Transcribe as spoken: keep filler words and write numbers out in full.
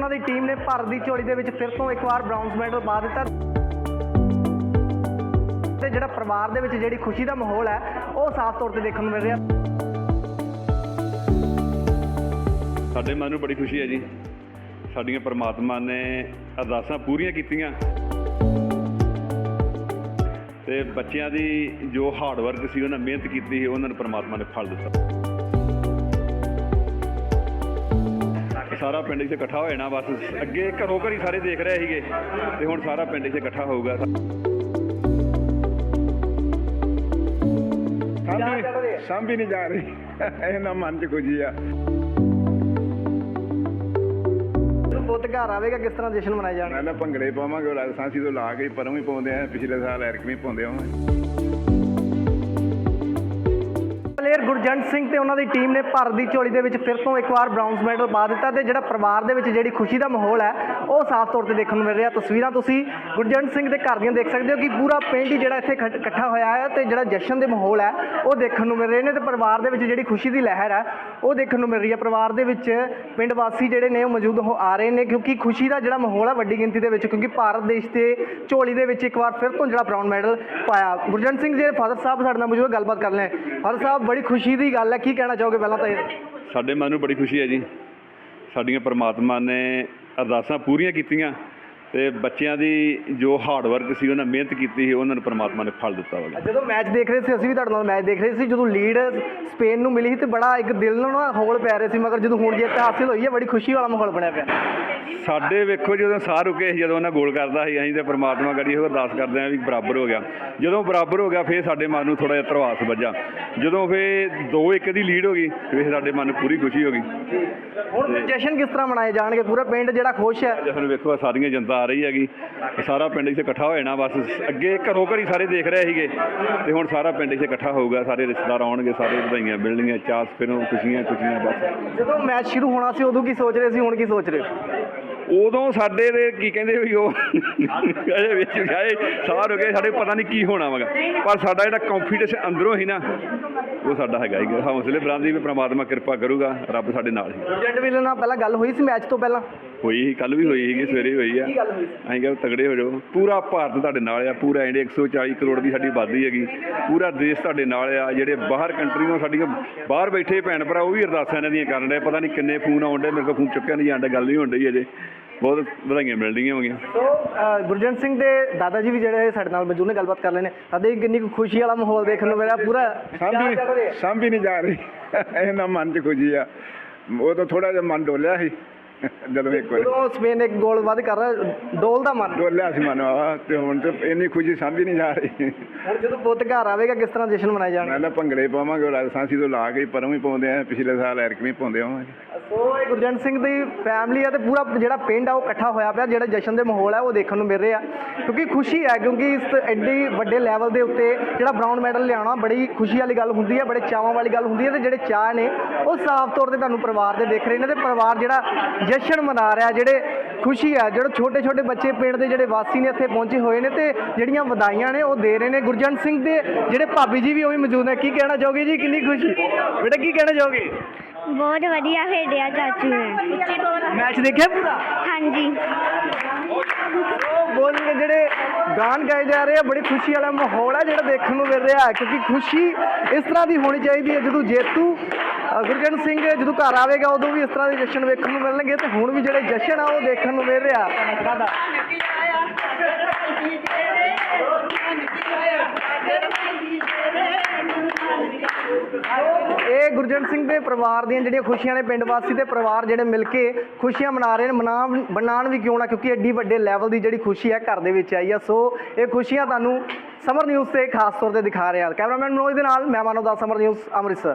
ਉਹਨਾਂ ਦੀ ਟੀਮ ਨੇ ਭਾਰਤ ਦੀ ਝੋਲੀ ਦੇ ਵਿੱਚ ਫਿਰ ਤੋਂ ਇੱਕ ਵਾਰ ਬ੍ਰਾਊਨਜ਼ ਮੈਡਲ ਪਾ ਦਿੱਤਾ ਤੇ ਜਿਹੜਾ ਪਰਿਵਾਰ ਦੇ ਵਿੱਚ ਜਿਹੜੀ ਖੁਸ਼ੀ ਦਾ ਮਾਹੌਲ ਹੈ ਉਹ ਸਾਫ਼ ਤੌਰ ਤੇ ਦੇਖਣ ਨੂੰ ਮਿਲ ਰਿਹਾ। ਸਾਡੇ ਮਨ ਨੂੰ ਬੜੀ ਖੁਸ਼ੀ ਹੈ ਜੀ। ਸਾਡੀਆਂ ਪਰਮਾਤਮਾ ਨੇ ਅਰਦਾਸਾਂ ਪੂਰੀਆਂ ਕੀਤੀਆਂ ਤੇ ਬੱਚਿਆਂ ਦੀ ਜੋ ਹਾਰਡ ਵਰਕ ਸੀ, ਉਹਨਾਂ ਮਿਹਨਤ ਕੀਤੀ ਸੀ, ਉਹਨਾਂ ਨੂੰ ਪਰਮਾਤਮਾ ਨੇ ਫਲ ਦਿੱਤਾ। ਸਾਰਾ ਪਿੰਡ ਇੱਥੇ ਇਕੱਠਾ ਹੋ ਜਾਣਾ, ਬਸ ਅੱਗੇ ਘਰੋਂ ਘਰੀ ਸਾਰੇ ਦੇਖ ਰਹੇ ਸੀਗੇ ਤੇ ਹੁਣ ਸਾਰਾ ਪਿੰਡ ਇੱਥੇ ਇਕੱਠਾ ਹੋਊਗਾ। ਸਾਂਭੀ ਨਹੀਂ ਜਾ ਰਹੀ, ਇਹਨਾਂ ਮਨ 'ਚ ਖੁਸ਼ੀ ਆ। ਪੁੱਤ ਘਰ ਆਵੇਗਾ, ਕਿਸ ਤਰ੍ਹਾਂ ਜਸ਼ਨ ਮਨਾਇਆ ਜਾਣਾ? ਮੈਂ ਨਾ ਭੰਗੜੇ ਪਾਵਾਂਗੇ, ਲਾਇਸੈਂਸੀ ਤੋਂ ਲਾ ਕੇ ਪਰੋਂ ਵੀ ਪਾਉਂਦੇ ਆ, ਪਿਛਲੇ ਸਾਲ ਐਰਕਵੀਂ ਪਾਉਂਦੇ ਆ। ਪਲੇਅਰ ਗੁਰਜੰਟ ਸਿੰਘ ਤੇ ਉਹਨਾਂ ਦੀ ਟੀਮ ਨੇ ਭਾਰਤ ਦੀ ਝੋਲੀ ਦੇ ਵਿੱਚ ਫਿਰ ਤੋਂ ਇੱਕ ਵਾਰ ਬ੍ਰਾਊਨਜ਼ ਮੈਡਲ ਪਾ ਦਿੱਤਾ ਤੇ ਜਿਹੜਾ ਪਰਿਵਾਰ ਦੇ ਵਿੱਚ ਜਿਹੜੀ ਖੁਸ਼ੀ ਦਾ ਮਾਹੌਲ ਹੈ ਉਹ ਸਾਫ਼ ਤੌਰ ਤੇ ਦੇਖਣ ਨੂੰ ਮਿਲ ਰਿਹਾ। ਤਸਵੀਰਾਂ ਤੁਸੀਂ ਗੁਰਜੰਟ ਸਿੰਘ ਦੇ ਘਰ ਦੀਆਂ ਦੇਖ ਸਕਦੇ ਹੋ ਕਿ ਪੂਰਾ ਪਿੰਡ ਹੀ ਜਿਹੜਾ ਇੱਥੇ ਇਕੱਠਾ ਹੋਇਆ ਹੈ ਤੇ ਜਿਹੜਾ ਜਸ਼ਨ ਦੇ ਮਾਹੌਲ ਹੈ ਉਹ ਦੇਖਣ ਨੂੰ ਮਿਲ ਰਹੇ ਨੇ ਤੇ ਪਰਿਵਾਰ ਦੇ ਵਿੱਚ ਜਿਹੜੀ ਖੁਸ਼ੀ ਦੀ ਲਹਿਰ ਹੈ ਉਹ ਦੇਖਣ ਨੂੰ ਮਿਲ ਰਹੀ ਹੈ। ਪਰਿਵਾਰ ਦੇ ਵਿੱਚ ਪਿੰਡ ਵਾਸੀ ਜਿਹੜੇ ਨੇ ਉਹ ਮੌਜੂਦ ਹੋ ਆ ਰਹੇ ਨੇ ਕਿਉਂਕਿ ਖੁਸ਼ੀ ਦਾ ਜਿਹੜਾ ਮਾਹੌਲ ਹੈ ਵੱਡੀ ਗਿਣਤੀ ਦੇ ਵਿੱਚ, ਕਿਉਂਕਿ ਭਾਰਤ ਦੇਸ਼ ਦੇ ਝੋਲੀ ਦੇ ਵਿੱਚ ਇੱਕ ਵਾਰ ਫਿਰ ਤੋਂ ਜਿਹੜਾ ਬ੍ਰਾਊਨ ਮੈਡਲ ਪਾਇਆ। ਗੁਰਜੰਟ ਸਿੰਘ ਜੀ ਫਾਦਰ ਸਾਹਿਬ ਸਾਡੇ ਨਾਲ ਮੌਜੂਦ, ਗੱਲਬਾਤ ਕਰ ਲੈ। ਫਾਦਰ ਸਾਹਿਬ, ਬੜੀ ਖੁਸ਼ੀ ਦੀ ਗੱਲ ਹੈ, ਕੀ ਕਹਿਣਾ ਚਾਹੋਗੇ? ਪਹਿਲਾਂ ਤਾਂ ਇਹ ਸਾਡੇ ਮਨ ਨੂੰ ਬੜੀ ਖੁਸ਼ੀ ਹੈ ਜੀ। ਸਾਡੀਆਂ ਪਰਮਾਤਮਾ ਨੇ ਅਰਦਾਸਾਂ ਪੂਰੀਆਂ ਕੀਤੀਆਂ ਤੇ ਬੱਚਿਆਂ ਦੀ ਜੋ ਹਾਰਡ ਵਰਕ ਸੀ, ਉਹਨਾਂ ਮਿਹਨਤ ਕੀਤੀ ਸੀ, ਉਹਨਾਂ ਨੂੰ ਪਰਮਾਤਮਾ ਨੇ ਫਲ ਦਿੱਤਾ ਵਾ। ਜਦੋਂ ਮੈਚ ਦੇਖ ਰਹੇ ਸੀ, ਅਸੀਂ ਵੀ ਤੁਹਾਡੇ ਨਾਲ ਮੈਚ ਦੇਖ ਰਹੇ ਸੀ, ਜਦੋਂ ਲੀਡ ਸਪੇਨ ਨੂੰ ਮਿਲੀ ਸੀ ਤੇ ਬੜਾ ਇੱਕ ਦਿਲ ਨੂੰ ਨਾ ਹੌਲ ਪੈ ਰਹੇ ਸੀ, ਮਗਰ ਜਦੋਂ ਹੁਣ ਜਿੱਤ ਹਾਸਿਲ ਹੋਈ ਹੈ ਬੜੀ ਖੁਸ਼ੀ ਵਾਲਾ ਮਾਹੌਲ ਬਣਿਆ ਪਿਆ। ਸਾਡੇ ਵੇਖੋ ਜਦੋਂ ਸਾਹ ਰੁਕੇ ਸੀ, ਜਦੋਂ ਉਹਨਾਂ ਗੋਲ ਕਰਦਾ ਸੀ, ਅਸੀਂ ਤਾਂ ਪਰਮਾਤਮਾ ਗੜੀ ਉਹ ਅਰਦਾਸ ਕਰਦੇ ਹਾਂ ਵੀ ਬਰਾਬਰ ਹੋ ਗਿਆ। ਜਦੋਂ ਬਰਾਬਰ ਹੋ ਗਿਆ ਫਿਰ ਸਾਡੇ ਮਨ ਨੂੰ ਥੋੜ੍ਹਾ ਜਿਹਾ ਧਰਵਾਸ ਵੱਜਾ। ਜਦੋਂ ਫਿਰ ਦੋ ਇੱਕ ਦੀ ਲੀਡ ਹੋ ਗਈ ਫਿਰ ਸਾਡੇ ਮਨ ਨੂੰ ਪੂਰੀ ਖੁਸ਼ੀ ਹੋ ਗਈ। ਹੁਣ ਜਸ਼ਨ ਕਿਸ ਤਰ੍ਹਾਂ ਮਨਾਏ ਜਾਣਗੇ? ਪੂਰਾ ਪਿੰਡ ਜਿਹੜਾ ਖੁਸ਼ ਹੈ। ਜਸ਼ਨ ਵੇਖੋ ਸਾਰੀਆਂ ਜਨਤਾ ਆ ਰਹੀ ਹੈਗੀ, ਸਾਰਾ ਪਿੰਡ ਇੱਥੇ ਇਕੱਠਾ ਹੋ ਜਾਣਾ, ਬਸ ਅੱਗੇ ਘਰੋਂ ਘਰੀ ਸਾਰੇ ਦੇਖ ਰਹੇ ਸੀਗੇ ਤੇ ਹੁਣ ਸਾਰਾ ਪਿੰਡ ਇੱਥੇ ਇਕੱਠਾ ਹੋਊਗਾ, ਸਾਰੇ ਰਿਸ਼ਤੇਦਾਰ ਆਉਣਗੇ, ਸਾਰੇ ਵਧਾਈਆਂ ਮਿਲਣਗੀਆਂ, ਚਾਸ ਫਿਰੋਂ ਖੁਸ਼ੀਆਂ ਖੁਸ਼ੀਆਂ। ਬਸ ਜਦੋਂ ਮੈਚ ਸ਼ੁਰੂ ਹੋਣਾ ਸੀ ਉਦੋਂ ਕੀ ਸੋਚ ਰਹੇ ਸੀ, ਹੁਣ ਕੀ ਸੋਚ ਰਹੇ? ਉਦੋਂ ਸਾਡੇ ਦੇ ਕੀ ਕਹਿੰਦੇ ਵੀ ਉਹ ਅਜੇ ਵਿੱਚ ਗਏ ਸਾਰ ਹੋ ਗਏ, ਸਾਡੇ ਪਤਾ ਨਹੀਂ ਕੀ ਹੋਣਾ ਵਗਾ, ਪਰ ਸਾਡਾ ਜਿਹੜਾ ਕੌਨਫੀਡੈਂਸ ਅੰਦਰੋਂ ਹੀ ਨਾ ਉਹ ਸਾਡਾ ਹੈਗਾ ਹੀ, ਹੌਸਲੇ ਬੁਲੰਦੀ ਵੀ ਪ੍ਰਮਾਤਮਾ ਕਿਰਪਾ ਕਰੂਗਾ, ਰੱਬ ਸਾਡੇ ਨਾਲ ਹੀ। ਗੁਰਜੰਟ ਵੀਰ ਨਾਲ ਪਹਿਲਾਂ ਗੱਲ ਹੋਈ ਸੀ ਮੈਚ ਤੋਂ ਪਹਿਲਾਂ? ਹੋਈ ਸੀ, ਕੱਲ੍ਹ ਵੀ ਹੋਈ ਸੀਗੀ, ਸਵੇਰੇ ਹੋਈ ਆ। ਅਸੀਂ ਕਿਹਾ ਤਗੜੇ ਹੋ ਜਾਓ, ਪੂਰਾ ਭਾਰਤ ਤੁਹਾਡੇ ਨਾਲ ਆ, ਪੂਰਾ ਇੰਡੀਆ ਇੱਕ ਸੌ ਚਾਲੀ ਕਰੋੜ ਦੀ ਸਾਡੀ ਆਬਾਦੀ ਹੈਗੀ, ਪੂਰਾ ਦੇਸ਼ ਤੁਹਾਡੇ ਨਾਲ ਆ। ਜਿਹੜੇ ਬਾਹਰ ਕੰਟਰੀਆਂ ਸਾਡੀਆਂ ਬਾਹਰ ਬੈਠੇ ਭੈਣ ਭਰਾ ਉਹ ਵੀ ਅਰਦਾਸਾਂ ਇਹਨਾਂ ਦੀਆਂ ਕਰਨ ਰਹੇ, ਪਤਾ ਨਹੀਂ ਕਿੰਨੇ ਫੋਨ ਆਉਣ ਡੇ, ਮੇਰੇ ਕੋਲ ਫੋਨ ਚੁੱਕਿਆ ਨਹੀਂ ਜਾਂਦਾ, ਗੱਲ ਨਹੀਂ ਹੋਣ ਡਈ ਅਜੇ, ਬਹੁਤ ਵਧਾਈਆਂ ਮਿਲ ਰਹੀਆਂ ਹੋਗੀਆਂ। ਸੋ ਗੁਰਜੰਟ ਸਿੰਘ ਦੇ ਦਾਦਾ ਜੀ ਵੀ ਜਿਹੜੇ ਸਾਡੇ ਨਾਲ ਮੌਜੂਦ ਨੇ, ਗੱਲਬਾਤ ਕਰ ਲੈਣੇ। ਸਾਡੇ ਕਿੰਨੀ ਕੁ ਖੁਸ਼ੀ ਵਾਲਾ ਮਾਹੌਲ ਦੇਖਣ ਨੂੰ ਮਿਲਿਆ, ਪੂਰਾ ਸਾਂਭੀ ਸਾਂਭੀ ਨਹੀਂ ਜਾ ਰਹੀ, ਇਹਨਾਂ ਮਨ 'ਚ ਖੁਸ਼ੀ ਆ। ਉਹ ਤਾਂ ਥੋੜ੍ਹਾ ਜਿਹਾ ਮਨ ਡੋਲਿਆ ਸੀ ਜਦੋਂ ਇੱਕ ਵਾਰ ਜਦੋਂ ਸਪੇਨ ਇੱਕ ਗੋਲ ਵੱਧ ਕਰ ਡੋਲਦਾ ਮਨ ਡੋਲਿਆ ਸੀ ਮਨ ਆ, ਤੇ ਹੁਣ ਤਾਂ ਇੰਨੀ ਖੁਸ਼ੀ ਸਾਂਭੀ ਨਹੀਂ ਜਾ ਰਹੀ। ਹੁਣ ਜਦੋਂ ਪੁੱਤ ਘਰ ਆਵੇਗਾ, ਕਿਸ ਤਰ੍ਹਾਂ ਜਸ਼ਨ ਮਨਾਇਆ ਜਾਣਾ? ਮੈਂ ਨਾ ਭੰਗੜੇ ਪਾਵਾਂਗੇ, ਲਾਇਸੈਂਸੀ ਤੋਂ ਲਾ ਕੇ ਪਰੋਂ ਵੀ ਪਾਉਂਦੇ ਆ, ਪਿਛਲੇ ਸਾਲ ਐਰਕਵੀਂ ਪਾਉਂਦੇ ਆਵਾਂਗੇ। ਸੋ ਇਹ ਗੁਰਜੰਟ ਸਿੰਘ ਦੀ ਫੈਮਿਲੀ ਆ ਤੇ ਪੂਰਾ ਜਿਹੜਾ ਪਿੰਡ ਆ ਉਹ ਇਕੱਠਾ ਹੋਇਆ ਪਿਆ, ਜਿਹੜਾ ਜਸ਼ਨ ਦੇ ਮਾਹੌਲ ਹੈ ਉਹ ਦੇਖਣ ਨੂੰ ਮਿਲ ਰਿਹਾ ਕਿਉਂਕਿ ਖੁਸ਼ੀ ਹੈ, ਕਿਉਂਕਿ ਇਸ ਐਡੀ ਵੱਡੇ ਲੈਵਲ ਦੇ ਉੱਤੇ ਜਿਹੜਾ ਬ੍ਰਾਊਨ ਮੈਡਲ ਲਿਆਉਣਾ ਬੜੀ ਖੁਸ਼ੀ ਵਾਲੀ ਗੱਲ ਹੁੰਦੀ ਹੈ, ਬੜੇ ਚਾਵਾਂ ਵਾਲੀ ਗੱਲ ਹੁੰਦੀ ਹੈ ਤੇ ਜਿਹੜੇ ਚਾਅ ਨੇ ਉਹ ਸਾਫ਼ ਤੌਰ ਤੇ ਤੁਹਾਨੂੰ ਪਰਿਵਾਰ ਦੇ ਦੇਖ ਰਹੇ ਨੇ ਤੇ ਪਰਿਵਾਰ ਜਿਹੜਾ ਜਸ਼ਨ ਮਨਾ ਰਿਹਾ, ਜਿਹੜੇ ਖੁਸ਼ੀ ਹੈ, ਜਿਹੜੇ ਛੋਟੇ ਛੋਟੇ ਬੱਚੇ ਪਿੰਡ ਦੇ ਜਿਹੜੇ ਵਾਸੀ ਨੇ ਇੱਥੇ ਪਹੁੰਚੇ ਹੋਏ ਨੇ ਤੇ ਜਿਹੜੀਆਂ ਵਧਾਈਆਂ ਨੇ ਉਹ ਦੇ ਰਹੇ ਨੇ। ਗੁਰਜੰਟ ਸਿੰਘ ਦੇ ਜਿਹੜੇ ਭਾਬੀ ਜੀ ਵੀ ਉਹ ਵੀ ਮੌਜੂਦ ਨੇ, ਕੀ ਕਹਿਣਾ ਚਾਹੋਗੇ ਜੀ? ਕਿੰਨੀ ਖੁਸ਼ੀ ਬੇਟਾ, ਕੀ ਕਹਿਣਾ ਚਾਹੋਗੇ? ਬਹੁਤ ਵਧੀਆ ਖੇਡਿਆ ਚਾਚੂ ਨੇ। ਮੈਚ ਦੇਖਿਆ ਪੂਰਾ? ਹਾਂਜੀ। ਬੋਲ ਕੇ ਜਿਹੜੇ ਗਾਣ ਗਾਏ ਜਾ ਰਹੇ ਆ, ਬੜੀ ਖੁਸ਼ੀ ਵਾਲਾ ਮਾਹੌਲ ਹੈ ਜਿਹੜਾ ਦੇਖਣ ਨੂੰ ਮਿਲ ਰਿਹਾ ਹੈ ਕਿਉਂਕਿ ਖੁਸ਼ੀ ਇਸ ਤਰ੍ਹਾਂ ਦੀ ਹੋਣੀ ਚਾਹੀਦੀ ਹੈ। ਜਦੋਂ ਜੇਤੂ ਗੁਰਜੰਟ ਸਿੰਘ ਜਦੋਂ ਘਰ ਆਵੇਗਾ ਉਦੋਂ ਵੀ ਇਸ ਤਰ੍ਹਾਂ ਦੇ ਜਸ਼ਨ ਵੇਖਣ ਨੂੰ ਮਿਲਣਗੇ ਤੇ ਹੁਣ ਵੀ ਜਿਹੜੇ ਜਸ਼ਨ ਆ ਉਹ ਦੇਖਣ ਨੂੰ ਮਿਲ ਰਿਹਾ। ਇਹ ਗੁਰਜੰਟ ਸਿੰਘ ਦੇ ਪਰਿਵਾਰ ਦੀਆਂ ਜਿਹੜੀਆਂ ਖੁਸ਼ੀਆਂ ਨੇ, ਪਿੰਡ ਵਾਸੀ ਤੇ ਪਰਿਵਾਰ ਜਿਹੜੇ ਮਿਲ ਕੇ ਖੁਸ਼ੀਆਂ ਮਨਾ ਰਹੇ ਨੇ, ਮਨਾ ਬਣਾਉਣ ਵੀ ਕਿਉਂ ਨਾ, ਕਿਉਂਕਿ ਐਡੀ ਵੱਡੇ ਲੈਵਲ ਦੀ ਜਿਹੜੀ ਖੁਸ਼ੀ ਹੈ ਘਰ ਦੇ ਵਿੱਚ ਆਈ ਆ। ਸੋ ਇਹ ਖੁਸ਼ੀਆਂ ਤੁਹਾਨੂੰ ਸਮਰ ਨਿਊਜ਼ ਤੇ ਖਾਸ ਤੌਰ ਤੇ ਦਿਖਾ ਰਿਹਾ। ਕੈਮਰਾਮੈਨ ਮਨੋਜ ਦੇ ਨਾਲ ਮੈਂ ਮਾਨਵ ਦਾ, ਸਮਰ ਨਿਊਜ਼ ਅੰਮ੍ਰਿਤਸਰ।